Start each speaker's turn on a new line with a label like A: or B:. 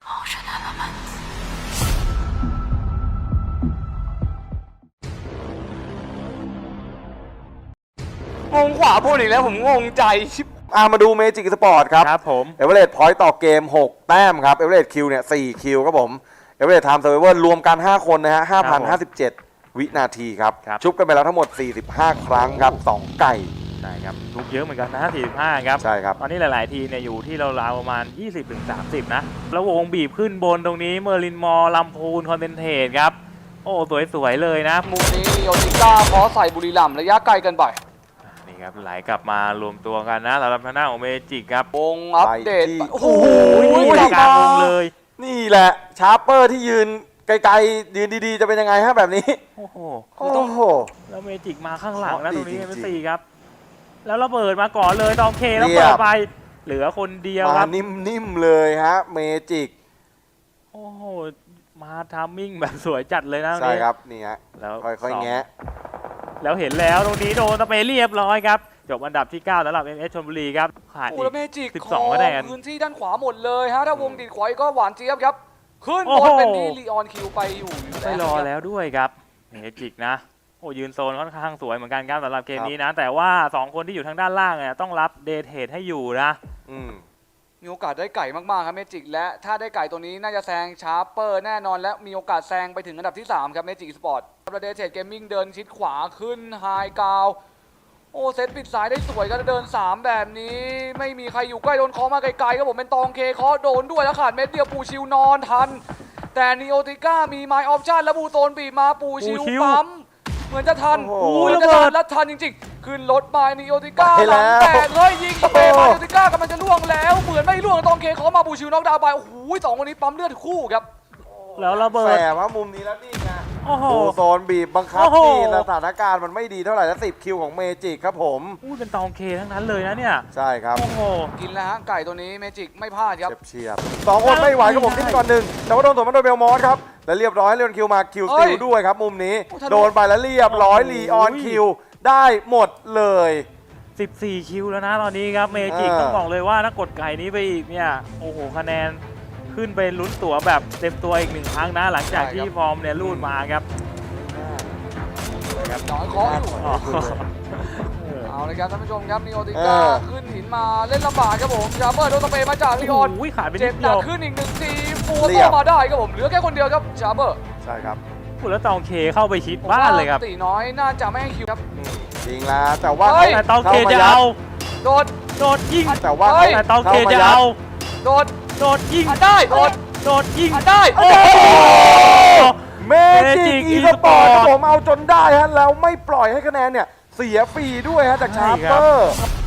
A: งงขวาบนอีกแล้วผมงงใจชิบ
B: มาดูเมจิกสปอร์ตครับ
C: ครับผม
B: เอเวอเรสต์พอยต์ต่อเกม6แต้มครับเอเวอเรสต์คิวเนี่ย4คิวครับผมเอเวอเรสต์ไทม์เซอร์ไวเวอร์รวมกัน5คนนะฮะ 5,057 วินาทีครับชุบกันไปแล้วทั้งหมด45ครั้งครับ2ไก่
C: ใช่ครับทุกเยอะเหมือนกันนะ45ครับ
B: ใช่ครับ
C: ตอนนี้หลายๆทีเนี่ยอยู่ที่ราวๆประมาณ 20-30 นะแล้ววงบีบขึ้นบนตรงนี้เมอร์ลินมอลลำพูนคอนเทนเทรตครับโอ้สวยๆเลยนะ
A: มุมนี้โยติก้าขอใส่บุรีรัมย์ระยะไกลกันไป
C: นี่ครับไหลกลับมารวมตัวกันนะสำหรับทางด้านของเมจิกครับ
A: วงอัปเดต
B: ไปที่
A: โอ้โห
C: กลางวงเลย
B: นี่แหละชาร์เปอร์ที่ยืนไกลๆยืนดีๆจะเป็นยังไงฮะแบบนี้
C: โอ้โห
B: โอ้โห
C: แล้วเมจิกมาข้างหลังนะ
B: ดี
C: ตรงนี้
B: จริงๆ
C: เป็น4ครับแล้วระเบิดมาก่อนเลยตองเคแล้ว
B: เรียบ
C: เปิดไปเหลือคนเดียวค
B: มา
C: รับ
B: นิ่มๆเลยฮะเมจิก
C: โอ้โหมาทามมิ่งแบบสวยจัดเลยนะตง
B: ใช่
C: นี้
B: ครับนี่ฮะ
C: แล้ว
B: ค่อยๆแงะ
C: แล้วเห็นแล้วตรงนี้โดนตะเปเรียบร้อยครับจบอันดับที่9สำหรับ MS ชลบุรีครับขาด
A: โอ้
C: อี
A: แล้ว
C: ก
A: เมจิก
C: 12คะแนน
A: พื้นที่ด้านขวาหมดเลยฮะถ้าวงดีดขวาก็หวานเจี๊ยบครับขึ้น
C: โอ้
A: บ
C: โห
A: นเป็นนี่ลีออนคิวไปอยู่
C: ไม่รอแล้วด้วยครับเมจิกนะโอ้ยืนโซนค่อนข้างสวยเหมือนกันครับสำหรับเกมนี้นะ แต่ว่า2คนที่อยู่ทางด้านล่างเนี่ยต้องรับเดทเทดให้อยู่นะ
A: มีโอกาสได้ไก่มากๆครับเมจิกและถ้าได้ไก่ตัวนี้น่าจะแซงชาร์เปอร์แน่นอนและมีโอกาสแซงไปถึงอันดับที่3ครับเมจิกสปอร์ตประเดเทดเกมมิ่งเดินชิดขวาขึ้นไฮกาวโอ้เซตปิดสายได้สวยก็เดิน3แบบนี้ไม่มีใครอยู่ใกล้โดนเคอมาไกลๆครับผมเป็นตองเคเคอโดนด้วยแล้วขาดเม็ดเดียวปูชิวนอนทันแต่นีโอติก้ามีไมล์ออปชั่นแล้วบูโซนบีบมาปูชิวปั๊มเหมือนจะทัน
B: โอ้โห
A: เหมือนจะทันแล้วทันจริงๆขึ้นรถไปนีโอติก้า
B: ไป
A: ห
B: แล้
A: ลั
B: ว
A: งแตกเลยยิงเปมานีโอติก้ากำลังจะล่วงแล้วเหมือนไม่ล่วงตองเคเคอมาปูชิวนอกดาวน์ไปโอ้โหสองคนนี้ปั๊มเลือดคู่ครับ
C: แล้วระเบิ
B: แส
C: ด
B: บว่ามุมนี้แล้วนี่ไง
C: โอ้โห
B: ดูโซนบีบบังคับ
C: โอ้โห
B: นี่สถานการณ์มันไม่ดีเท่าไหร่แล้ว10คิวของเมจิกครับผม
C: อู้เป็นตองเคทั้งนั้นเลยนะเนี่ย
B: ใช่ครับ
C: โอ้โห
A: กินแล้วฮะไก่ตัวนี้เมจิกไม่พลาดครับ
B: เฉียบสองคนไม่ไหวครับผมขึ้นก่อนหนึ่งแต่ว่าโดนสวนมาโดยเบลมอสครับและเรียบร้อยเลียนคิวมาคิวสติลด้วยครับมุมนี้
A: โอ้ทะลุ
B: โดนไปแล้วเรียบร้อยลีออนคิวได้หมดเลย
C: 14 คิวแล้วนะตอนนี้ครับเมจิก
B: อ่า
C: ต้องบอกเลยว่าถ้ากดไก่นี้ไปอีกเนี่ยโอ้โหคะแนนขึ้นไปลุ้นตั๋วแบบเต็มตัวอีก1 ครั้งนะหลังจากที่ฟอร์มเนี่ยรูดมาครับ
A: น้อยเคออยู่
C: อ๋อ
A: เอาเลยครับท่านผู้ชมครับนีโอติก้าขึ้นหินมาเล่นลำบากครับผมชาร์เปอร์โดนสเปรย์มาจากลีออน
C: โอ้ยขาดไปนิ
A: เจ็
C: ด
A: บห
C: เดี
A: นั
C: ย
A: ก
C: ว
A: ขึ้นอีก1 ทีฟูโต้มาได้ครับผมเหลือแค่คนเดียวครับชาร์เปอร์
B: ใช่ครับ
C: พูดแล้วตองเคเข้าไปชิดบ้านเลยครับ
A: ตีน้อยน่าจะไม่ให้คิวครับ
B: จริงแล้วแต่ว่า
A: เฮ้ย
C: แต่ตองเคจะเอา
A: โดด
C: โดดยิง
B: แต่ว่า
A: เฮ้ย
C: แต่ตองเคจะเอา
A: โดด
C: โดดยิง
A: อัดได้โดด
C: โดดยิง
A: อัดได้
C: โอ้โห
B: เมจิกอีสปอร์ตผมเอาจนได้ฮะแล้วไม่ปล่อยให้คะแนนเนี่ยเสียฟรีด้วยฮะจากชาร์เปอร์